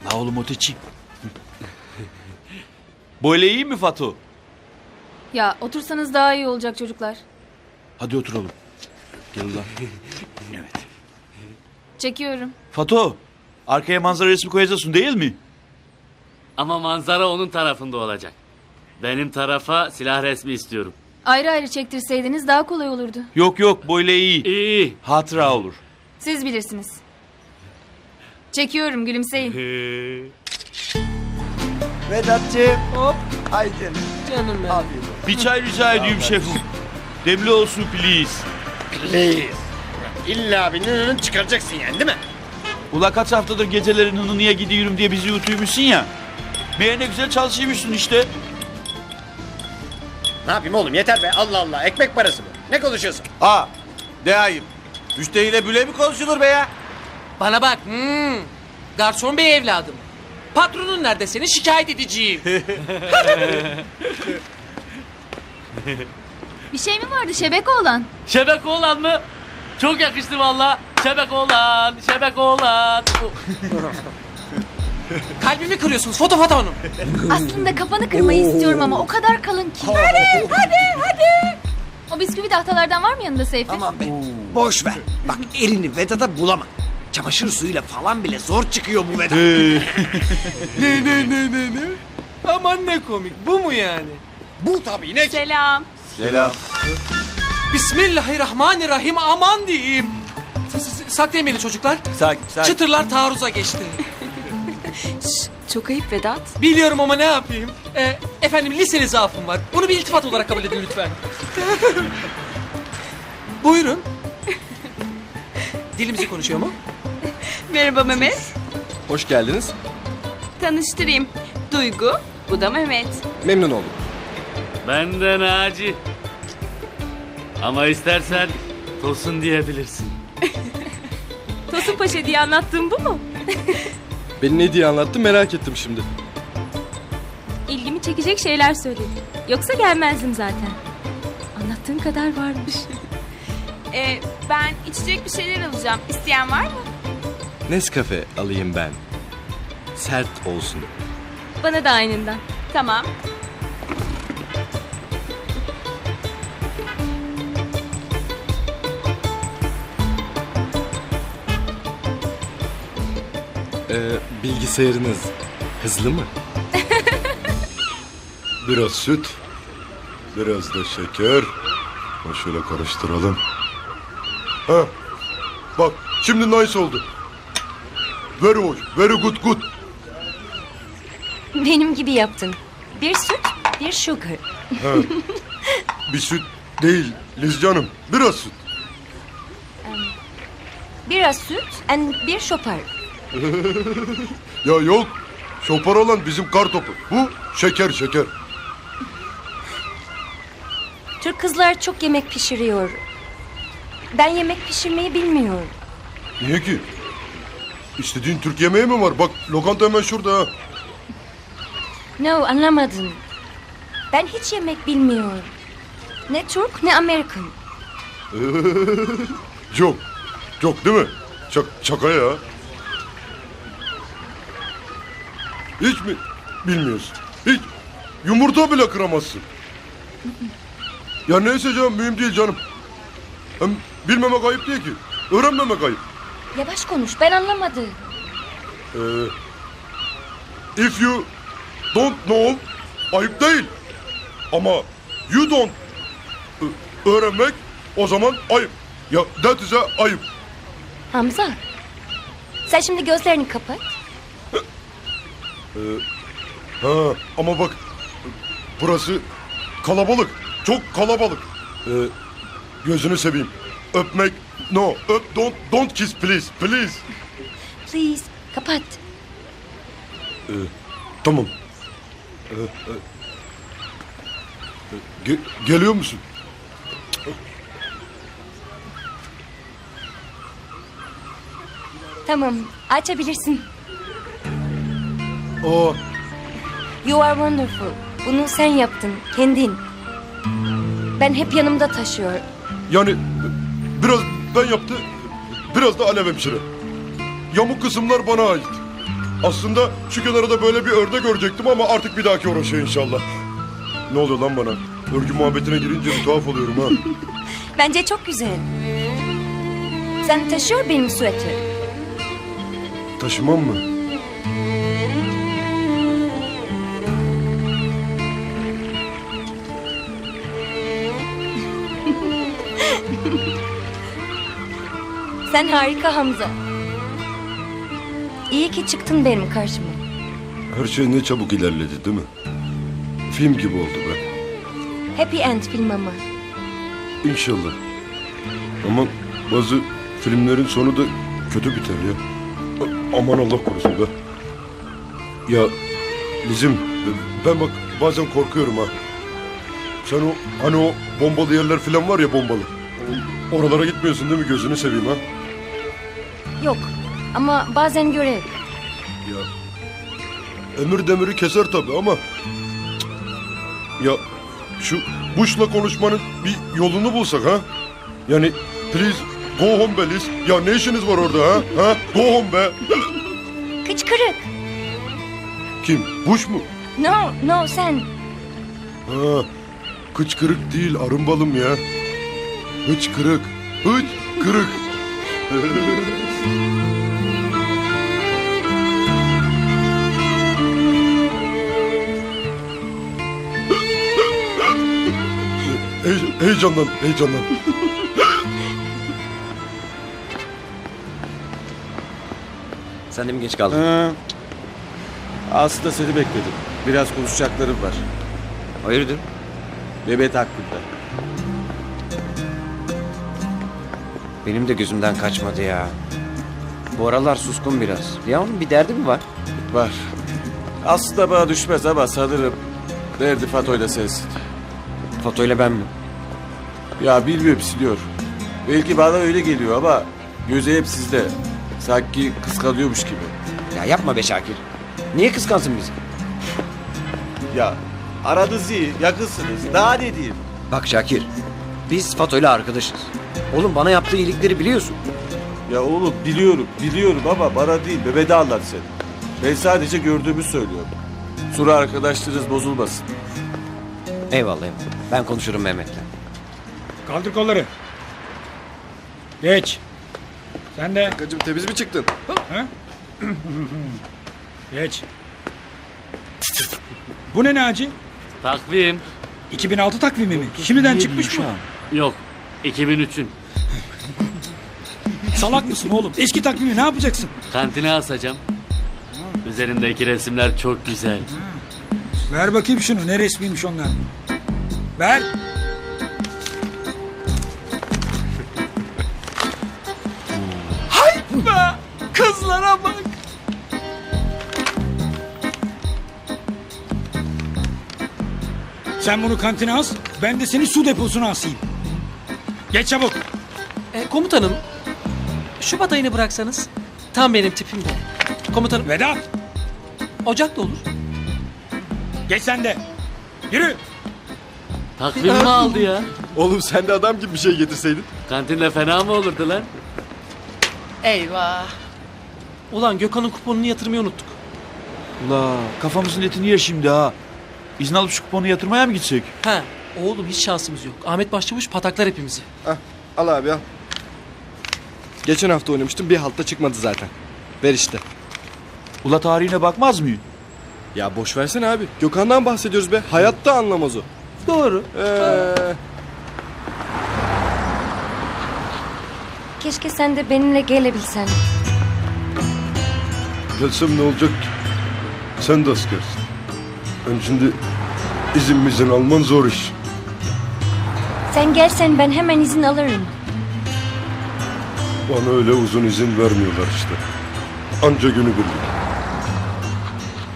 La oğlum öteci. Böyle iyi mi Fatu? Ya otursanız daha iyi olacak çocuklar. Hadi oturalım. Gel ulan. Evet. Çekiyorum. Fatu, arkaya manzara resmi koyacaksın değil mi? Ama manzara onun tarafında olacak. Benim tarafa silah resmi istiyorum. Ayrı ayrı çektirseydiniz daha kolay olurdu. Yok yok, böyle iyi. İyi. Hatıra olur. Siz bilirsiniz. Çekiyorum, gülümseyin. Vedat'cığım. Hop. Haydi. Canım benim. Afiyet olsun. Bir çay rica ediyorum şefim. Demli olsun please. Please. İlla bir nınının çıkaracaksın yani değil mi? Ula kaç haftadır gecelerin hınınıya gidiyorum diye bizi yutuyormuşsun ya. Meğer ne güzel çalışıyormuşsun işte. Ne yapayım oğlum yeter be Allah Allah ekmek parası bu. Ne konuşuyorsun? Aa, de ayıp. Müşteriyle böyle mi konuşulur be ya? Bana bak. Garson bey evladım. Patronun nerede seni şikayet edeceğim. Bir şey mi vardı şebek oğlan? Şebek oğlan mı? Çok yakıştı valla. Şebek oğlan, şebek oğlan. Kalbimi kırıyorsunuz foto hanım. Aslında kafanı kırmayı istiyorum ama o kadar kalın ki. Hadi. O bisküvi tahtalardan var mı yanında Seyfi? Aman be. Boş ver. Bak elini Vedat'a bulama. Çamaşır suyuyla falan bile zor çıkıyor bu Vedat. Ne? Aman ne komik. Bu mu yani? Bu tabii ne ki? Selam. Selam. Bismillahirrahmanirrahim aman diyeyim. Saklayın beni çocuklar. Sakin. Çıtırlar taarruza geçti. Çok ayıp Vedat. Biliyorum ama ne yapayım? Efendim liseli zaafım var. Bunu bir iltifat olarak kabul edin lütfen. Buyurun. Dilimizi konuşuyor mu? Merhaba Mehmet. Hoş geldiniz. Tanıştırayım. Duygu, bu da Mehmet. Memnun oldum. Ben de Naci. Ama istersen Tosun diyebilirsin. Tosun Paşa diye anlattığım bu mu? Beni ne diye anlattı merak ettim şimdi. İlgimi çekecek şeyler söyledi. Yoksa gelmezdim zaten. Anlattığın kadar varmış. Ben içecek bir şeyler alacağım. İsteyen var mı? Nescafe alayım ben. Sert olsun. Bana da aynından. Tamam. Bilgisayarınız hızlı mı? Biraz süt, biraz da şeker. Şöyle karıştıralım. Ha, bak şimdi nice oldu. Very hoş, very good. Benim gibi yaptın. Bir süt, bir sugar. Ha, bir süt değil Liz canım, biraz süt. Biraz süt and bir şopar. Ya yok, şopar olan bizim kar topu. Bu şeker. Türk kızlar çok yemek pişiriyor. Ben yemek pişirmeyi bilmiyorum. Niye ki? İstediğin Türk yemeği mi var? Bak lokanta hemen şurada ha. No, anlamadın. Ben hiç yemek bilmiyorum. Ne Türk ne Amerikan. Çok değil mi? Şaka ya. Hiç mi bilmiyorsun? Hiç. Yumurta bile kıramazsın. Ya neyse canım mühim değil canım. Hem bilmemek ayıp değil ki. Öğrenmemek ayıp. Yavaş konuş, ben anlamadım. If you don't know ayıp değil. Ama you don't öğrenmek o zaman ayıp. Ya that is a ayıp. Hamza, sen şimdi gözlerini kapat. Ha, ama bak burası kalabalık. Çok kalabalık. Gözünü seveyim. Öpmek no. Don't kiss please. Please, kapat. Tamam. Geliyor musun? Tamam, açabilirsin. Aa, You are wonderful. Bunu sen yaptın, kendin. Ben hep yanımda taşıyor. yani biraz ben yaptı, biraz da Alev hemşire. Yamuk kısımlar bana ait. Aslında şu kenarda böyle bir örde görecektim ama artık bir dahaki uğraşıyor inşallah. Ne oluyor lan bana? Örgü muhabbetine girince bir tuhaf oluyorum ha. Bence çok güzel. Sen taşıyor benim süveter. Taşımam mı? Sen harika Hamza. İyi ki çıktın benim karşıma. Her şey ne çabuk ilerledi değil mi? Film gibi oldu be. Happy End film ama. İnşallah. Ama bazı filmlerin sonu da kötü biter ya. Aman Allah korusun be. Ya Lizim, ben bak bazen korkuyorum ha. Sen o hani o bombalı yerler falan var ya, bombalı. Oralara gitmiyorsun değil mi, gözünü seveyim ha? Yok ama bazen görev. Ya emir demiri keser tabii ama ya şu Bush'la konuşmanın bir yolunu bulsak ha? Yani please go home be Liz. Ya ne işiniz var orada ha? Ha? Go home be. Kıçkırık. Kim? Bush mu? No sen. Ha, kıçkırık değil, arımbalım ya. Hıçkırık. Hıçkırık. Heyecandan. Sen de mi geç kaldın? Aslında seni bekledim. Biraz konuşacaklarım var. Hayırdır? Mehmet hakkında. Benim de gözümden kaçmadı ya. Bu aralar suskun biraz. Ya onun bir derdi mi var? Var. Aslında bana düşmez ama sanırım derdi Fatoy'la sensin. Fotoyla ben mi? Ya bilmiyorum, siliyor. Belki bana öyle geliyor ama gözü hep sizde. Sanki kıskanıyormuş gibi. Ya yapma be Şakir. Niye kıskansın bizi? Ya aranız iyi, yakınsınız. Daha ne diyeyim? Bak Şakir, biz Fatoyla arkadaşız. Oğlum bana yaptığı iyilikleri biliyorsun. Ya oğlum biliyorum ama bana değil, Mehmet'e anlat sen. Ben sadece gördüğümü söylüyorum. Sonra arkadaşlarınız bozulmasın. Eyvallah. Ben konuşurum Mehmet'le. Kaldır kolları. Geç. Sen de. Kankacığım temiz mi çıktın? Ha? Geç. Bu ne Naci? Takvim. 2006 takvimi mi? Şimdiden çıkmış mı? Yok. 2003'ün. Salak mısın oğlum? Eski takvimi ne yapacaksın? Kantine asacağım. Üzerindeki resimler çok güzel. Ver bakayım şunu. Ne resmiymiş onlar? Ver. Hayt be! Kızlara bak. Sen bunu kantine as. Ben de seni su deposuna asayım. Geç çabuk. Komutanım, Şubat ayını bıraksanız tam benim tipimde. Komutanım, Vedat. Ocak da olur. Geç sen de. Yürü. Takvim mi aldı ya? Oğlum sen de adam gibi bir şey getirseydin. Kantinde fena mı olurdu lan? Eyvah. Ulan Gökhan'ın kuponunu yatırmayı unuttuk. Ula kafamızın etini yer şimdi ha. İzin alıp şu kuponu yatırmaya mı gitsek? He, oğlum hiç şansımız yok. Ahmet Başçavuş pataklar hepimizi. Al abi al. Geçen hafta oynamıştım, bir haltta çıkmadı zaten. Ver işte. Ula tarihine bakmaz mıyım? Ya boş versene abi. Gökhan'dan bahsediyoruz be. Hayatta anlamaz o. Doğru. Keşke sen de benimle gelebilsen. Gelsem ne olacak ki? Sen de askersin. Şimdi izin alman zor iş. Sen gelsen ben hemen izin alırım. Bana öyle uzun izin vermiyorlar işte. Anca günü birlik.